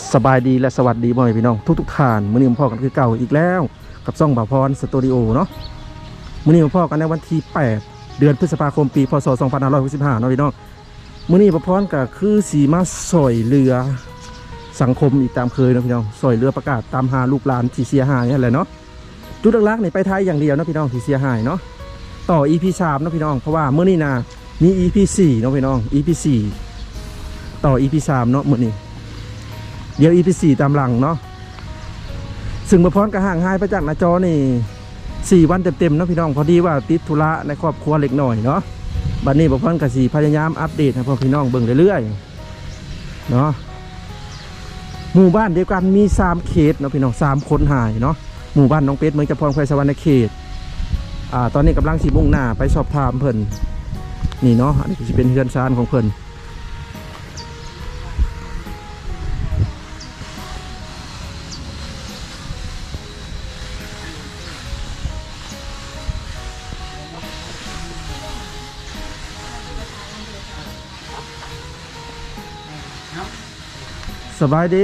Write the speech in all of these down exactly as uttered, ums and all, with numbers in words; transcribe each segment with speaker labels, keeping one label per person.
Speaker 1: สบายดีและสวัสดีบ่อยพี่น้องทุกทุกท่านมื้อนี้พ่อกันคือเก่าอีกแล้วกับซ่องบ่าวพรสตูดิโอเนาะมื้อนี้พ่อกันในวันที่แปดเดือนพฤษภาคมปีพศสองพันห้าร้อยหกสิบห้าเนาะพี่น้องมื้อนี้บ่าวพรก็คือสีมาสอยเรือสังคมอีกตามเคยเนาะพี่น้องสอยเรือประกาศตามหาลูกหลานที่เสียหายนี่แหละเนาะจุดหลักๆนี่ไปไทยอย่างเดียวเนาะพี่น้องที่เสียหายเนาะต่อ อี พี สามเนาะพี่น้องเพราะว่ามื้อนี้นะมี อี พี สี่เนาะพี่น้อง อี พี สี่ต่อ อี พี สามเนาะมื้อนี้เดี๋ยว อี พี สี่ตามหลังเนาะซึ่งมาพร้อมกับห่างหายไปจากหน้าจอนี่สี่วันเต็มๆเนาะพี่น้องพอดีว่าติดธุระในครอบครัวเล็กหน่อยเนาะบัดนี้มาพร้อมกับสี่พยายามอัปเดตให้พ่อพี่น้องเบิ่งเรื่อยๆเนาะหมู่บ้านเดียวกันมีสามเขตเนาะพี่น้องสามคนหายเนาะหมู่บ้านน้องเป็ดเมืองจำพรแควสวรรณเขตอ่าตอนนี้กำลังสีมุ่งหน้าไปสอบถามเพิ่นนี่เนาะอันนี้จะเป็นเฮือนซานของเพิ่นสบายดี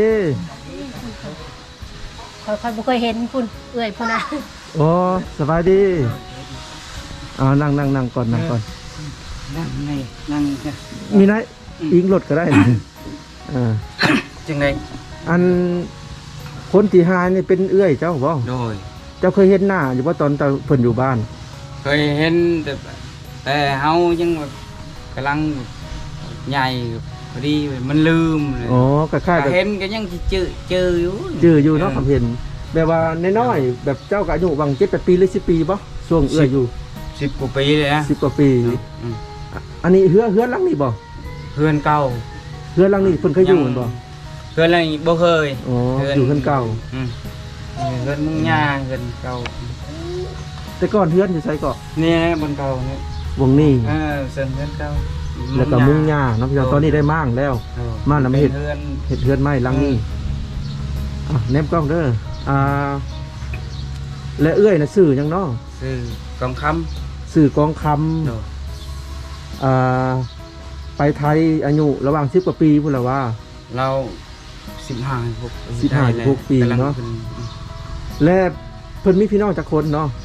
Speaker 2: ค่อยๆบ่เคยเห็นคุณเอื่อยพุ่นนะ
Speaker 1: โอ้สบายดีอ่านั่งนั่งนั่งก่อนนั่งก่อน
Speaker 3: นั่งไงนั่ง
Speaker 1: มีไหนอิงรถก็ได้อ่า
Speaker 3: จังไง
Speaker 1: อันคนที่หายนี่เป็นเอื้อยเจ้าบ่
Speaker 3: โดย
Speaker 1: เจ้าเคยเห็นหน้าอยู่ว่าตอนเพิ่นอยู่บ้าน
Speaker 3: เคยเห็นแต่แต่เฮายังแบบกำลังใหญ่พอดีมันลืมเลย
Speaker 1: อ๋อก็ค่าย
Speaker 3: เห็นก็ยังจืดจืดอยู่
Speaker 1: จืดอยู่เนาะผมเห็นแบบว่าน้อยๆแบบเจ้าก็อายุบางเจ็ดแปดปีหรือสิบปีบ่ช่วงเอื้อยอยู่
Speaker 3: สิบกว่าปีเลยนะ
Speaker 1: สิบกว่าปีอันนี้เฮือเฮือหลังนี่บ่
Speaker 3: เฮือนเก่า
Speaker 1: เฮือหลังนี่เพิ่นเคยอยู่บ่
Speaker 3: เฮือนหลังบ่เคย
Speaker 1: อ๋ออยู่เฮือนเก่า
Speaker 3: อืมเฮือนมุงหญ้าเฮือนเก่า
Speaker 1: แต่ก่อนเฮือนอยู่ไสก็
Speaker 3: นี่บนเก่านี่
Speaker 1: วงนี้
Speaker 3: เออเฮือนเก่า
Speaker 1: แล้วก็มุงหญ้าเนาะพี่น้องตอนนี้ได้มั่งแล้วมั่งแล้วไม่เห็ดเห็ดเฮือนไม้หลังนี้อ่ะแนบกล้องเด้ออ่าและเอื้อยน่ะซื้อหยังเนาะ
Speaker 3: ซื้อกองค
Speaker 1: ำซื้อกองคำอ่าไปไทยอายุระหว่างสิบกว่าปีพุ่นละว่า
Speaker 3: เราสิบห้าหก
Speaker 1: สิบห้าหกปีเนาะและเพิ่นมีพี่น้องจักคนเนาะ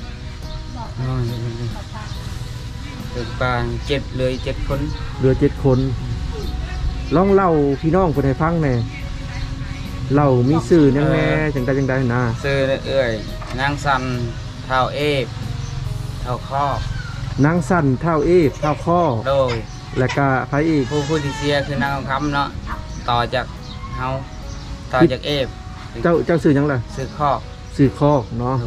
Speaker 3: เป็นปางเจ็ดเลยเจ็ดคน
Speaker 1: เหลือเจ็ดคนลองเล่าพี่น้องคนให้ฟังแน่เล่ามีสื่อยังแน่จังใดจังใดนะ
Speaker 3: สื่อเอ้ยนางสันเท้าเอฟเท้าข้
Speaker 1: อนางสันเท้าเอฟเท้าข้อ
Speaker 3: โดย
Speaker 1: และก็ไผอีก
Speaker 3: ผู้ผู้ที่เสียคือนางคำเนาะต่อจากเฮาต่อจากเอฟ
Speaker 1: เจ้าเจ้าสื่อยังไง
Speaker 3: สื่อข้อ
Speaker 1: สื่อข้อเนาะ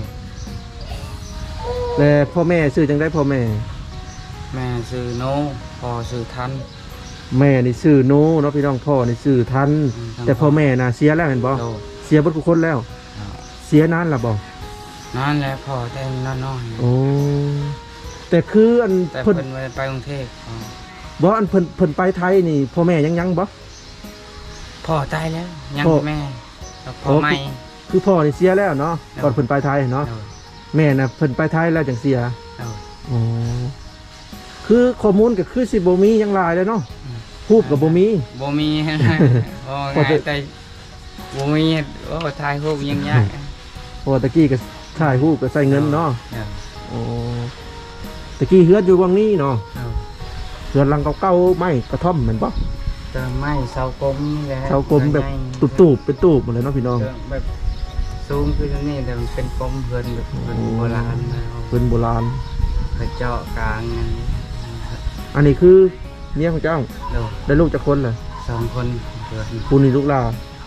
Speaker 1: และพ่อแม่สื่อจังได้พ่อแม่
Speaker 3: แม่สื่อโนพ่อสื่อทัน
Speaker 1: แม่นี่สื่อโนเนาะพี่น้องพ่อนี่สื่อทันแต่พ่อแม่น่ะเสียแล้วเห็นบ่เสียเบิดทุกคนแล้วเสียนานละบ่
Speaker 3: นานแล้วพ่อแต่นานน้อย
Speaker 1: โอ้แต่คืออัน
Speaker 3: เพิ่นไปกรุงเทพ
Speaker 1: บ่อันเพิ่นเพิ่นไปไทยนี่พ่อแม่ยังยังบ่
Speaker 3: พ่อตายแล้วยังแม่พ่อใหม่
Speaker 1: คือพ่อนี่เสียแล้วเนาะก่อนเพิ่นไปไทยเนาะแม่น่ะเพิ่นไปไทยแล้วจังเสียอ๋อคือข้อมูลก็คือสิบ่มียังหลายเลยเนาะรูปกับบ่มี
Speaker 3: บ่มีโอ้ง่ายแต่บ่มีโอ้ถ่ายรูปยังยาก
Speaker 1: โอ้ตะกี้ก็ถ่ายรูปก็ใส่เงินเนาะโอ้ตะกี้เฮือนอยู่วังนี้เนาะเฮือนหลังเก่าๆไม้กระท่อมเหมือนป่ะ
Speaker 3: แต่ไม้เสากลมนี่แหละ
Speaker 1: เสากลมแบบตูบๆเป็นตูบหมดเลยเนาะพี่น้อง
Speaker 3: แบบสูงขึ้นนี่แต่มันเป็นกลมเฮือนแบบโบราณ
Speaker 1: เฮือนโบราณ
Speaker 3: กระเจาะกลาง
Speaker 1: อันนี้คือเมียของเจ้าได้ลูกจากคนเลย
Speaker 3: สองคน
Speaker 1: คุณนี่ลูกลา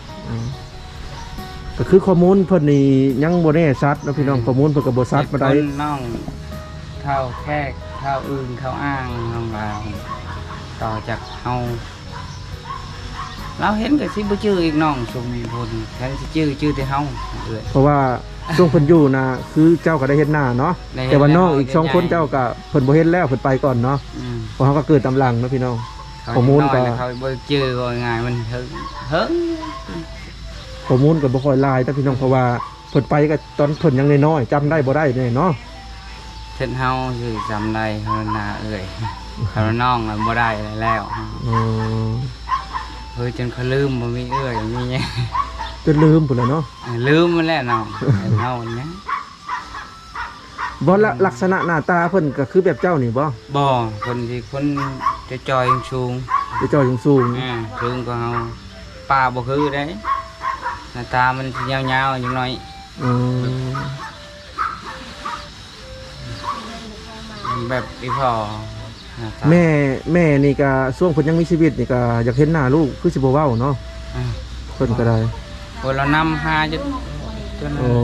Speaker 1: ก็คือข้อมูลเพิ่นนี่ยังโบแน่ชัดนะพี่น้องข้อมูลเพิ่นกับโบชัดมาได้
Speaker 3: น้องเท่าแค่เท่าอื่นเท่าอ้างน้องเราต่อจากเฮาเราเห็นกับสิบ่ชื่ออีกน้องสมบูรณ์แทนสิชื่อชื่อแต่เฮา
Speaker 1: เพราะว่าช่วงเพิ่นอยู่นะคือเจ้าก็ได้เห็นหน้าเนาะแต่ว่าน้องอีกสองคนเจ้าก็เพิ่นบ่เห็นแล้วเพิ่นไปก่อนเนาะเพราะเขาก็เกิดตำลังนะพี่น้องข้อมูลก็
Speaker 3: เขาบ่ชื่อว่าง่ายมันเฮิงเฮิง
Speaker 1: ข้อมูลก็บ่ค่อยหลายแต่พี่น้องเพราะว่าเพิ่นไปก็ตอนเพิ่นยังน้อยๆจำได้บ่ได้แน่เนาะ
Speaker 3: เพิ่นเฮาคือจำได้เฮาหน้าเอ้ยเฮาน้องบ่ได้แล้วอ๋อเฮ้ยจนเขาลืมบ่มีเอ้ยมี
Speaker 1: จนลืมพุ่นแหล้วเนาะ
Speaker 3: เออลืมมันแล้วเนาะเฮาเนี่ย
Speaker 1: บ่ละลักษณะหน้าตาเพิ่นก็คือแบบเจ้านี่บ่
Speaker 3: บ่คนที่คนจะจอยสูง
Speaker 1: ไปเจ้ายังสูง
Speaker 3: อ่าสูงกว่าเฮาป้าบ่คือได้หน้าตามันสิยาวๆอย่างน้อย
Speaker 1: อืม
Speaker 3: แบบอีพ่อหน้าตา
Speaker 1: แม่แม่นี่ก็ช่วงเพิ่นยังมีชีวิตนี่ก็อยากเห็นหน้าลูกคือสิบ่เว้าเนาะ
Speaker 3: อ่า
Speaker 1: เพิ่นก็ได้
Speaker 3: คนเรานำหาจนจน
Speaker 1: โอ้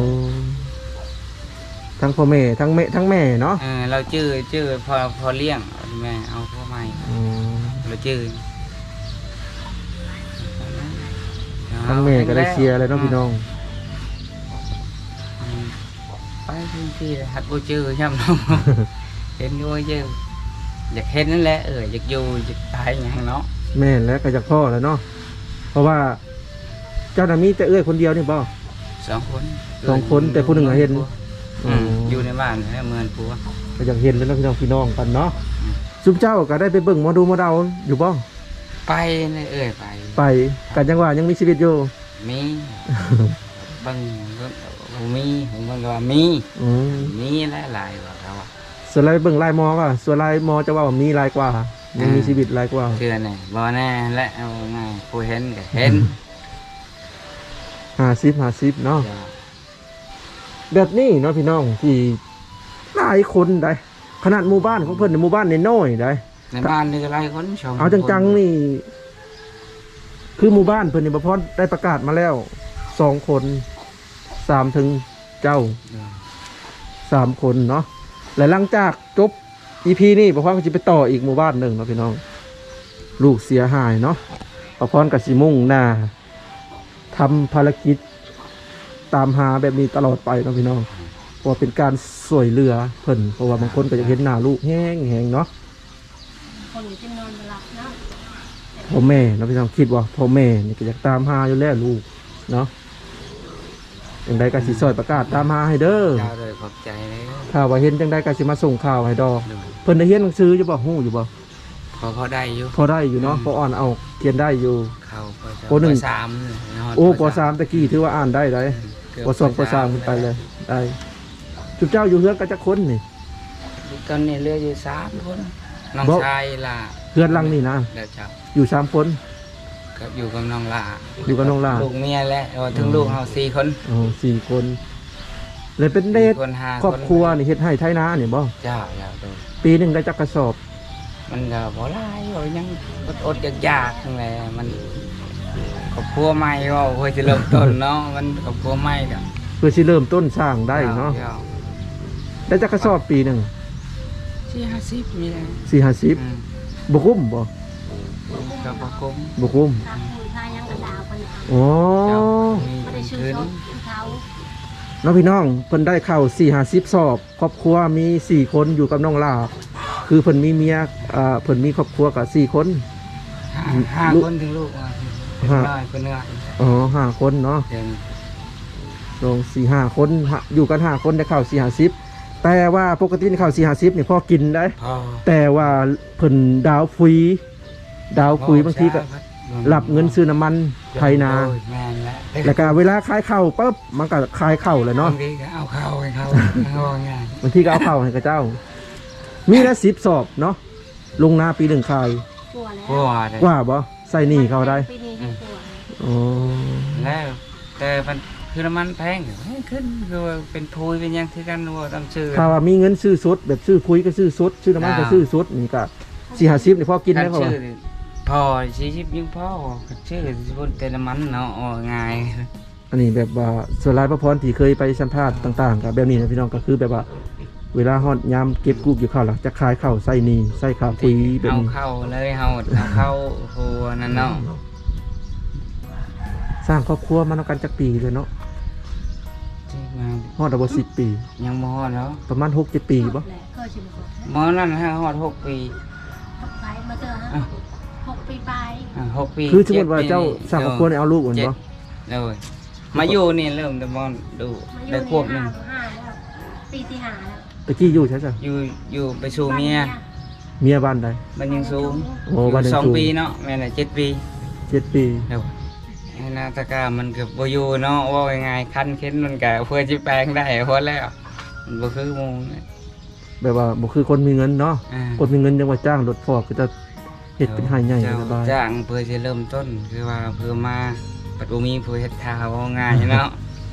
Speaker 1: ทั้งพ่อแม่ทั้งแม่ทั้งแม่เนาะ
Speaker 3: เออเราชื่อชื่อพอพอเลี้ยงแม่เอาพ่อใหม่
Speaker 1: อืม
Speaker 3: เราชื่อ
Speaker 1: ทั้งแม่ก็ได้เชียร์เลยเนาะพี่น้อง
Speaker 3: อืมไปพื้นที่เลยหัดบูชื่อใช่ไหม เห็นด้วยชื่ออยากเห็นนั่นแหละเอออยากอยู่อยากตายอย่างเนาะ
Speaker 1: แม่และก็จากพ่อแหล้วเนาะเพราะว่าเจ้าน่ะมีแต่เอื้อยคนเดียวนี่บ่
Speaker 3: สองคน
Speaker 1: สองคนแต่ผู้หนึ่งอะเห็น
Speaker 3: อืมอยู่ในบ้านแล้วเมือนผัว
Speaker 1: ก็อยากเห็นแล้วเนาะพี่น้องพี่น้องกันเนาะ
Speaker 3: อืม
Speaker 1: ซุมเจ้าก็ได้ไปเบิ่งหมอดูหมอเดาอยู่บ่
Speaker 3: ไปเลยเอ้ยไป
Speaker 1: ไปกันจังว่ายังมีชีวิตอยู่
Speaker 3: มีบางก็มีผมบางก็ว่ามี
Speaker 1: อืม
Speaker 3: มีหลายหลายๆว่าเขาว่า
Speaker 1: ส่วนลายเบิ่งลายหมอก็ส่วนลายหมอจะว่ามีลายกว่ายังมีชีวิตลายกว่า
Speaker 3: เชื่อแน่บ่แน่และเอาง่ายผู้เห็นก็เห็น
Speaker 1: ห้าสิบห้าสิบเนาะ
Speaker 3: จ้ะ
Speaker 1: แบบนี้เนาะพี่น้องที่หลายคนได้ขนาดหมู่บ้านของเพิ่นในหมู่บ้านน้อยๆได้
Speaker 3: ในบ้านนี่ก็หลายคนชม
Speaker 1: เอาจังๆนี่ คือหมู่บ้านเพิ่นนี่บ่พอได้ประกาศมาแล้วสองคนสามถึงเจ้า
Speaker 3: เออ
Speaker 1: สามคนเนาะและหลังจากจบ อี พี นี่บ่พรก็จะไปต่ออีกหมู่บ้านหนึ่งเนาะพี่น้อง ลูกเสียหายเนาะบ่พรก็สิมุ่งหน้าทำภารกิจตามหาแบบนี้ตลอดไปเนาะพี่น้องเพราะว่าเป็นการสวยเรือเพิ่นเพราะว่าบางคนก็จะเห็นหน้าลูกแห้งแหงเนาะ
Speaker 2: คนอยู่ที่นอนบ่หลับเนาะ
Speaker 1: พ่อแม่เนาะพี่น้องคิดว่าพ่อแม่นี่ก็อยากตามหาอยู่แล้วลูกเนาะจังใดก็สิซอยประกาศตามหาให้เด้อ
Speaker 3: เจ้าเลยขอบใจเลย
Speaker 1: ถ้าว่าเห็นจังใดก็สิมาส่งข่าวให้ดอก
Speaker 3: ดู
Speaker 1: เพิ่นได้เรียนหนังสืออยู่บ่ฮู้อยู่บ่
Speaker 3: พอพอได้อยู่
Speaker 1: พอได้อยู่เนาะพออ่านเอาเขียนได้อยู่
Speaker 3: เข้าป
Speaker 1: ปหนึ่ง
Speaker 3: สามเนาะ
Speaker 1: โอ้ปสามตะกี้ถือว่าอ่านได้ได้
Speaker 3: เกืบ
Speaker 1: ปสองปสามขึ้นไปเลยได้จุดเจ้าอยู่เฮือนก็จะคนนี่
Speaker 3: ตอนนี้เหลืออยู่สามคนน้อง
Speaker 1: บ่
Speaker 3: ชายล่ะ
Speaker 1: เฮือนหลังนี่นะ
Speaker 3: เดี๋ยวเจ้า
Speaker 1: อยู่สามคน
Speaker 3: ก็อยู่กับน้องล่า
Speaker 1: อยู่กับน้องล่า
Speaker 3: ลูกเมียและเออถึงลูกเราสี่คน
Speaker 1: อ๋อสี่คนเลยเป็นเดท
Speaker 3: คนห้า
Speaker 1: ครอบครัวนี่เฮ็ดให้ไทนานี่บ่
Speaker 3: เจ้าเจ้าดู
Speaker 1: ปีหนึงได้จักกระสอบ
Speaker 3: มันก็บ่หลายบ่ยังอดอดๆอยากๆทั้งแหละมันครอบครัวใหม่ก็เพื่อจะเริ่มต้นเนาะมันครอบครัวใหม่ก็
Speaker 1: เพื่อสิเริ่มต้นสร้างได้เนาะ
Speaker 3: จ้
Speaker 1: ได้จักกระสอบปีหนึง
Speaker 3: สี่ห้าสิบมีเลย
Speaker 1: สี่ห้าสิบ
Speaker 3: อืม
Speaker 1: บ่คุ้มบ่
Speaker 3: ก็บ่คุ้ม
Speaker 1: บ่คุ้ม
Speaker 2: ทางผู้ชายยังกระดาวคนเอา
Speaker 1: อ๋อ
Speaker 3: เจ้ามี
Speaker 2: ไม่ได้ชื่อ
Speaker 3: คืน
Speaker 2: ซบคือเขา
Speaker 1: น้องพี่น้องเพิ่นได้เข้าสี่ห้าสิบสอบครอบครัวมีสี่คนอยู่กับน้องลาคือเพิ่นมีเมียอ่าเพิ่นมีครอบครัวกับสี่คน
Speaker 3: ห้าห้า
Speaker 1: ลูก
Speaker 3: คนถึงลูกอ่ะ
Speaker 1: ห้า
Speaker 3: น้อยคนเนื้อย
Speaker 1: อ๋อห้าคนเนาะ
Speaker 3: เดิน
Speaker 1: ลงสี่ห้าคนฮะอยู่กันห้าคนได้เข้าสี่ห้าสิบแต่ว่าปกติเข้าสี่ห้าสิบนี่พ่อกินได้
Speaker 3: พอ
Speaker 1: แต่ว่าเพิ่นดาวฟรีดาวฟรีบางทีก็รับเงินซื้อน้ำมันไทยนา
Speaker 3: โอ้ยแม่นแล้ว
Speaker 1: แล้วก็เวลาขายข้าวปุ๊บมันก็ขายข้าวเลยเนาะ
Speaker 3: บางทีก็เอาเข้าให้เขาเอาง่าย
Speaker 1: บางทีก็เอาข้าวให้กับเจ้า มีละสิบสอบเนาะลงนาปีหนึ่งขาย
Speaker 2: กลัวแล้ว
Speaker 3: กลัวเลย
Speaker 1: กว่าบ่ใส่หนี้เขาได้
Speaker 2: ปีนี้ให้กลัว
Speaker 1: อ๋อ
Speaker 3: แล้วแต่มันคือน้ำมันแพงแพงขึ้นคือว่าเป็นทุยเป็นหยังที่กันว่าต้องซื้อ
Speaker 1: ถ้าว่ามีเงินซื้อสดแบบซื้อคุยก็ซื้อสดซื้อน้ำมันก็ซื้อสดนี่ก็สี่ห้าสิบนี่พอกินได้
Speaker 3: คั
Speaker 1: เขา
Speaker 3: ชื่อนี่พอสี่สิบยังพอชื่อสิบนแต่น้ำมันเนาะอ๋อง่าย
Speaker 1: อันนี้แบบว่าส่วนรายพระพรที่เคยไปสัมภาษณ์ต่างๆกับแบบนี้นะพี่น้องก็คือแบบว่า เวลาฮอดยามเก็บกู้อยู่ข้าวหลักจะขายข้าวใส่หนี่ใส่ข้าวคุยแบบ
Speaker 3: เอา
Speaker 1: นี้
Speaker 3: เข้าเลยเอาเอาเข้าหัวนั่นเนาะ
Speaker 1: สร้างครอบครัวมาแล้วกันจักปีเลยเนาะ
Speaker 3: จริงมา
Speaker 1: ฮอดเอาสิบปี
Speaker 3: ยังมอดแล้ว
Speaker 1: ประมาณหกเจ็ดปีบ่
Speaker 2: แหละเคยชิมก่อน
Speaker 3: มอนั่นฮะฮอดหกปี
Speaker 2: หกไปมาเจอฮะ
Speaker 3: อ่ะ
Speaker 2: หกปีไป
Speaker 3: อ่ะหกปี
Speaker 1: คือสมมติว่า
Speaker 3: จ็ดปี
Speaker 1: เจ้าสร้างครอบครัวเนี่ยเอาลูกก่อน
Speaker 3: เจ็ด
Speaker 1: บ่
Speaker 3: เลยมาอยู่นี่เริ่มแต่มอนดู
Speaker 2: มาอยู่
Speaker 3: ได้
Speaker 2: ใน
Speaker 3: ควบหนึ
Speaker 2: ห้าง ห้าแล้วปีที่ห้าแล้ว
Speaker 1: ตะกี้อยู่ใช่จ้ะ
Speaker 3: อยู่อยู่ไปสู่เมีย
Speaker 1: เมียบ้านใด
Speaker 3: มันยังสูง
Speaker 1: โอ้บ้าน
Speaker 3: อยู่
Speaker 1: ยัง
Speaker 3: สอง
Speaker 1: สูง
Speaker 3: ปีเนาะแม่น่ะเจ็ดปี
Speaker 1: เจ็ดปี
Speaker 3: เดี๋ยวนะตะกร้ามันก็บ่อยู่เนาะว่ายังไงคันเข็นมันก็เพื่อสิแปลงได้พอแล้วมันบ่คือหมู่นะ
Speaker 1: แบบว่าบ่คือคนมีเงินเนาะ
Speaker 3: อ่า
Speaker 1: คนมีเงินยังว่าจ้างรถฟอกก็จะเฮ็ดเป็นหายใหญ่
Speaker 3: เจ้า
Speaker 1: สบาย
Speaker 3: จ้างเพื่อสิเริ่มต้นคือว่าเพื่อมาปัดบ่มีผู้เฮ็ดทาว่าง่ายเนาะ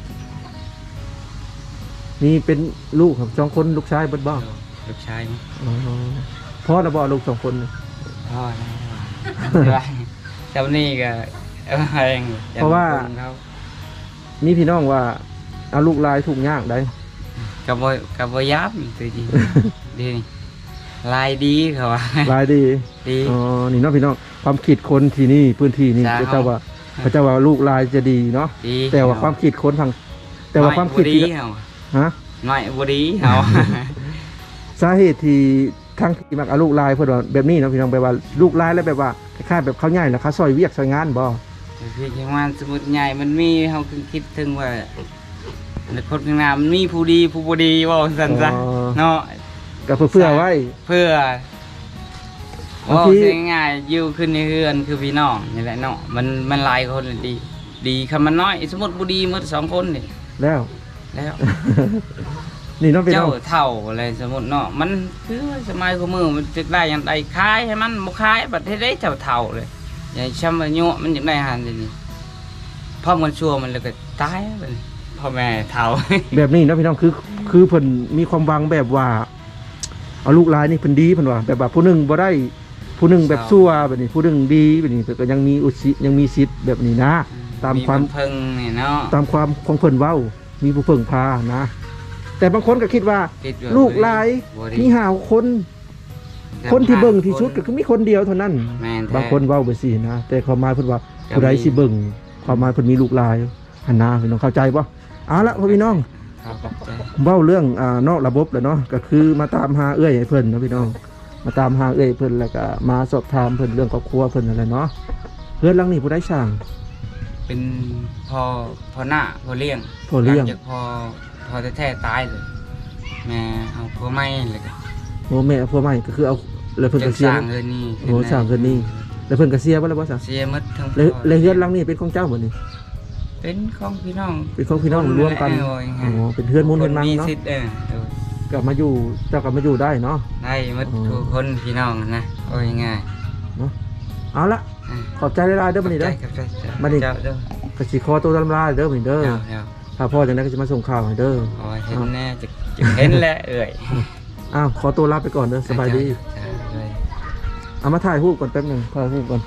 Speaker 1: นี่เป็นลูกครับสองคนลูกชายเบิดบ่
Speaker 3: ลูกชายมั้ย
Speaker 1: อ๋อพ่อน่ะบ่ลูกสองคนนี่
Speaker 3: พ่อนะว่าเจ้านี่ก็เอาเองอย่มคนเขา
Speaker 1: มีพี่น้องว่าเอาลูกหลายทุกข์ยากได้
Speaker 3: ก็บ่ก็บ่ยับตัวจริง ดีนี่ลายดีเขาว่า
Speaker 1: หลายดี
Speaker 3: ดี
Speaker 1: อ๋อนี่เนาะพี่น้องความคิดคนที่นี่พื้นที่นี่
Speaker 3: จ้า
Speaker 1: พระเจ้าว่าพระเจ้าว่าลูกหลายจะดีเนาะ
Speaker 3: ดี
Speaker 1: แต่ว่าความคิดคนทางแต่ว่าความคิด
Speaker 3: น้อยบ่
Speaker 1: ที่
Speaker 3: ดีเฮา
Speaker 1: ฮะ
Speaker 3: น้อยบ่ดีเฮา
Speaker 1: สาเหตุที่ทางที่มักเอาลูกหลายเพิ่นว่าแบบนี้เนาะพี่น้องแบบว่าลูกหลายแล้วแบบว่าคล้ายๆแบบเขาใหญ่แล้วเขาซอยเวียกซอยงานบ่
Speaker 3: คือจังว่าสมมุติใหญ่มันมีเฮาคือคิดถึงว่าในคนข้างหน้ามันมีผู้ดีผู้บ่ดีว่าซั่นซะเนาะ
Speaker 1: ก็เพื่อเพื่อไว้
Speaker 3: เพื่อบ
Speaker 1: าง
Speaker 3: ว่า
Speaker 1: ที
Speaker 3: เสียง่ายๆอยู่ขึ้นในเฮือนคือพี่น้องนี่แหละเนาะมันมันหลายคนน่ะดี ดีคำมันน้อย สมมุติบ่ดีหมดสองคนนี่
Speaker 1: แล้ว
Speaker 3: แล้ว
Speaker 1: นี่เนาะพี่น้
Speaker 3: เจ้า
Speaker 1: อง
Speaker 3: เท่าอะไรสมมุติเนาะมันคือว่าสมัยของมือมันจะได้อย่างใดขายให้มันบ่ขายบัดเฮ็ดได้เจ้าเท่าเลยอย่างช้ำว่ายั่วมันอยากได้หันนี่พอมันชั่วมันเลยก็ตายบัดนี้พ่อแม่เท่า
Speaker 1: แบบนี้เนาะพี่น้องคือคือเพิ่นมีความหวังแบบว่า เอาลูกหลายนี่เพิ่นดีเพิ่นว่าแบบว่าผู้หนึงบ่ได้ผู้หนึงแบบซั่วแบบนี้ผู้หนึงดีแบบนี้เพิ่นก็ยังมีอุสิยังมีสิทธิ์แบบนี้นะ ตามความ
Speaker 3: เพิ่งนี่เนาะ
Speaker 1: ตามความของเพิ่นเว้า มีผู้เพิ่งพานะ แต่บางคนก็คิดว่า
Speaker 3: คิดว่า
Speaker 1: ลูกหลาย
Speaker 3: บ่ดี
Speaker 1: มีหาวคน คนที่เบิ่งที่สุดก็คือมีคนเดียวเท่านั้น
Speaker 3: แม่นแท้
Speaker 1: บางคนเว้าไปสินะ แต่ความหมายเพิ่นว่า
Speaker 3: ก็มี
Speaker 1: ผู้ใดสิเบิ่งความหมายเพิ่นมีลูกหลายหันหน้าพี่น้องเข้าใจบ่เอาละพ่อพี่น้อง
Speaker 3: ครับขอบใจ
Speaker 1: เว้าเรื่องอ่านอกระบบแหล้วเนาะก็คือมาตามหาเอื้อยให้เพิ่นนะพี่น้อง มาตามหาเอื้อยเพิ่นแล้วก็มาสอบถามเพิ่นเรื่องครอบครัวเพิ่นนั่นแหละเนาะเฮือนหลังนี้ผู้ใดสร้าง
Speaker 3: เป็นพอพอหน้าพอเลี้ยง
Speaker 1: พ่อเลี้ยง
Speaker 3: หจากพอพอแท้ๆตายเลย แม่เอาพอไม่เลยก็
Speaker 1: โอ้แม่พ่อใหม่ก็คือเอาแล้วเพิ่น
Speaker 3: จ
Speaker 1: ก็
Speaker 3: น
Speaker 1: เสี
Speaker 3: ส
Speaker 1: ย
Speaker 3: ร้างเงินนี่
Speaker 1: โอ้สร้างเงินนี่ แล้วเพิ่นก็เสียบ่แล้วบ่ซะ
Speaker 3: เสียหมดทั้ง
Speaker 1: แล้ว
Speaker 3: พ่
Speaker 1: แล้วเฮือนหลังนี้เป็นของเจ้าบ่นี่
Speaker 3: เป็นของพี่น้อง
Speaker 1: เป็นของพี่น้องรวมกัน
Speaker 3: โอ้ย
Speaker 1: อ๋อเป็นเฮือนมูลเฮือนมัง
Speaker 3: มี
Speaker 1: เนาะ
Speaker 3: สิทธิ์เออเออก
Speaker 1: ลับมาอยู่เจ้ากลับมาอยู่ได้เนาะ
Speaker 3: ได้หมด
Speaker 1: อ๋อ
Speaker 3: ทุกคนพี่น้องนะโอ้ยง่าย
Speaker 1: เอาละ
Speaker 3: อ่ะ
Speaker 1: ขอบใจหลายๆเด้อบัดนี้เด้อ
Speaker 3: ขอบใจขอบใจ
Speaker 1: บัดนี้
Speaker 3: เจ้าเด้อ
Speaker 1: ก็สิขอตัวลำลาเด้อบัดนี้เด้อ
Speaker 3: เดี๋ยวเดี๋ยว
Speaker 1: ถ้าพ่อจังได๋ก็จะมาส่งข่าวให้เด้อ
Speaker 3: โอ้ยเห็นแน่จะจะเห็นแหละเอ่ย
Speaker 1: อ้าวขอตัวลาไปก่อนเด้อสบายดี
Speaker 3: จ้าเลย
Speaker 1: เอามาถ่ายรูปก่อนแป๊บหนึงถ่ายรูปก่อน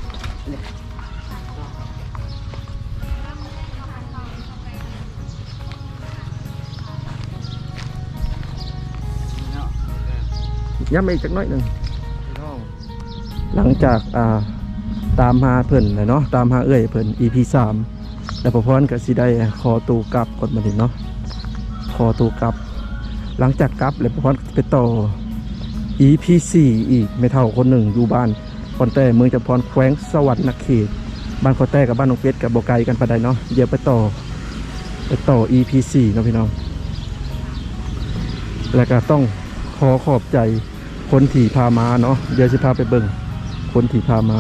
Speaker 1: ย้ำมาอีกจักหน่อยหนึงหลังจากอ่าตามหาเพิ่นเลยเนาะตามหาเอื้อยเพิ่น อี พี สามแล้วพอพรก็สิได้ขอตัวกลับก่อนบัดนี้เนาะขอตัวกลับ หลังจากกลับแล้วพอพรไปต่อ อี พี สี่ อีกไม่เท่าคนหนึ่งอยู่บ้านคอนแต้เมืองจำพรแขวงสวรรค์นครเขตบ้านคอนแต้กับบ้านน้องเพชรกับบ่ไกลกันปานใดเนาะเดี๋ยวไปต่อไปต่อ อี พี สี่ เนาะพี่น้องแล้วก็ต้องขอขอบใจคนที่พามาเนาะเดี๋ยวสิพาไปเบิ่งคนที่พามา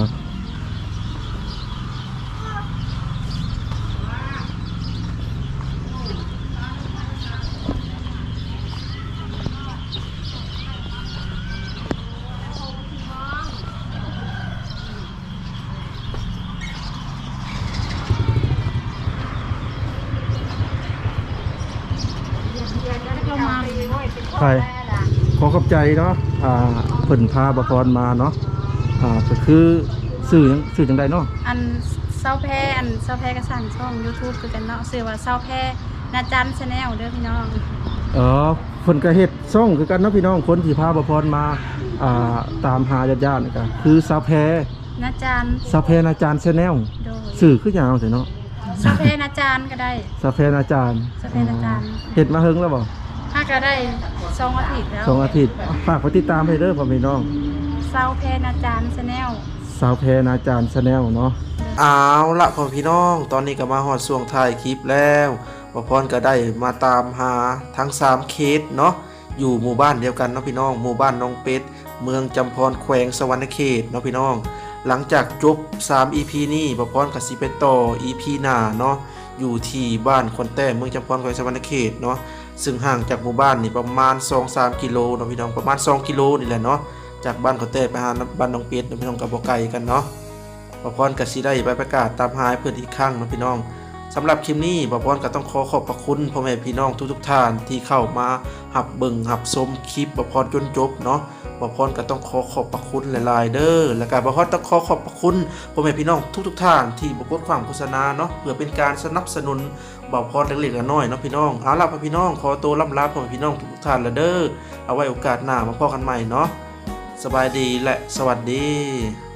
Speaker 1: ใครขอขอบใจเนาะอ่าเพิ่นพาบพรมาเนาะอ่าก็คือสื่อหยังสื่อจังใดเนาะ
Speaker 2: อันเศร้าแพ้อันเศร้าแพ้ก็สั่งช่อง YouTube คือกันเนาะชื่อว่าเศร้าแพ้นาจันชาแนลเด้อพี่น้อง
Speaker 1: เออเพิ่นก็เฮ็ดซ่องคือกันเนาะพี่น้องคนที่พาบพรมาอ่าตามหาญาติๆนี่ก็คือสาวแพ
Speaker 2: นาจัน
Speaker 1: สาวแพนาจารย์แชนแนล
Speaker 2: โดย
Speaker 1: สื่อคือยาวแต่เนาะ
Speaker 2: เศร้าแพ้นาจันก็ได้
Speaker 1: สาวแพนาจารย์
Speaker 2: สาวแพนาจารย์
Speaker 1: เฮ็ดมาเฮิงแล้วบ่
Speaker 2: ถ้าก็ได้สองอาทิตย์แล้ว
Speaker 1: สองอาทิตย์ฝากไปติดตามให้เด้อพ่อพี่น้อง
Speaker 2: เศร้าแพ้นาจันชาแนล
Speaker 1: สาวแพนาจารย์แชนแนลเนาะเอาละพ่อพี่น้องตอนนี้ก็มาฮอดช่วงท้ายคลิปแล้วพ่อพรก็ได้มาตามหาทั้งสามเคสเนาะอยู่หมู่บ้านเดียวกันเนาะพี่น้องหมู่บ้านน้องเป็ดเมืองจำพรแขวงสวรรณเขตเนาะพี่น้องหลังจากจบสาม อี พี นี้บ่พรก็สิไปต่อ อี พี หน้าเนาะอยู่ที่บ้านคนแต้เมืองจำพรแขวงสะวรรณเขตเนาะซึ่งห่างจากหมู่บ้านนี่ประมาณ สองถึงสาม กิโลเนาะพี่น้องประมาณสองกิโลนี่แหละเนาะจากบ้านคนแต้ไปหาบ้านน้องเป็ดเนาะพี่น้องก็บ่ไกลกันเนาะบ่พรก็สิได้ไปประกาศตามหาเพิ่นอีกครั้งเนาะพี่น้องสำหรับคลิปนี้บ่พรก็ต้องขอขอบพระคุณพ่อแม่พี่น้องทุกๆท่านที่เข้ามารับเบิ่งรับชมคลิปบ่พรจนจบเนาะบ่พรก็ต้องขอขอบพระคุณหลายๆเด้อแล้วก็บ่พรต้องขอขอบพระคุณพ่อแม่พี่น้องทุกๆท่านที่บ่กดความโฆษณาเนาะเพื่อเป็นการสนับสนุนบ่พรเล็กๆน้อยๆเนาะพี่น้องเอาล่ะพี่น้องขอตัวล่ำลาพ่อแม่พี่น้องทุกๆท่านละเด้อเอาไว้โอกาสหน้ามาพบกันใหม่เนาะสบายดีและสวัสดี